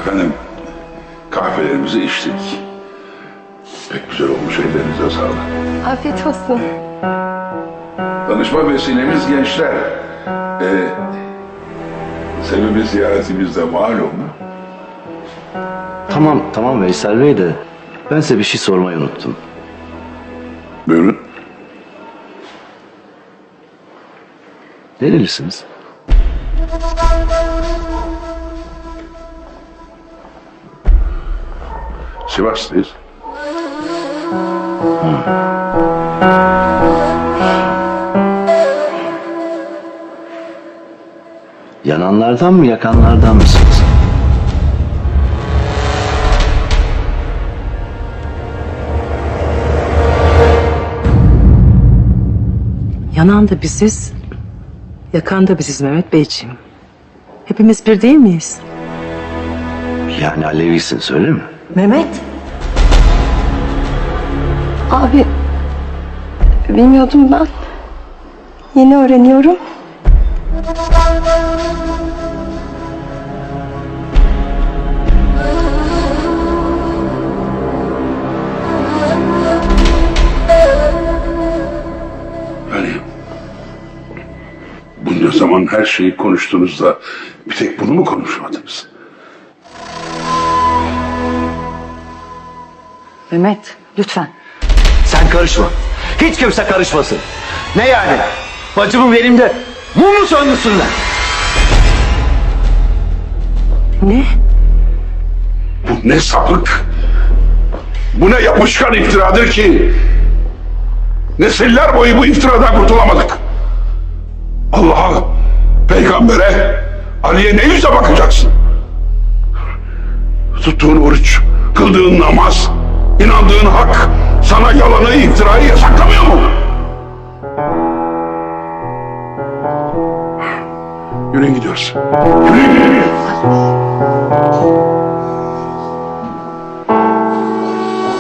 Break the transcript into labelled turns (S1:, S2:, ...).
S1: Efendim, kahvelerimizi içtik. Pek güzel olmuş, ellerinize sağlık.
S2: Afiyet olsun.
S1: Tanışma vesilemiz gençler. Sebebi ziyaretimiz de malum.
S3: Tamam Veysel Bey de ben size bir şey sormayı unuttum.
S1: Buyurun.
S3: Nerelisiniz?
S1: Sivas'tayız.
S3: Yananlardan mı yakanlardan mısınız?
S4: Yanan da biziz, yakan da biziz Mehmet Beyciğim. Hepimiz bir değil miyiz?
S3: Yani Alevisiniz öyle mi?
S4: Mehmet,
S2: Abi, bilmiyordum ben. Yeni öğreniyorum.
S1: Yani bunca zaman her şeyi konuştunuz da bir tek bunu mu konuşmadınız?
S5: Mehmet, lütfen.
S3: Sen karışma. Hiç kimse karışmasın. Ne yani? Bacımın elimde mumu söndürsünler.
S4: ne?
S1: Bu ne sapık, bu ne yapışkan iftiradır ki nesiller boyu bu iftiradan kurtulamadık. Allah'a, peygambere, Ali'ye ne yüzle bakacaksın? Tuttuğun oruç, kıldığın namaz, inandığın hak sana yalanı, iftirayı yasaklamıyor mu? Yürüyün gidiyoruz. Yürüyün.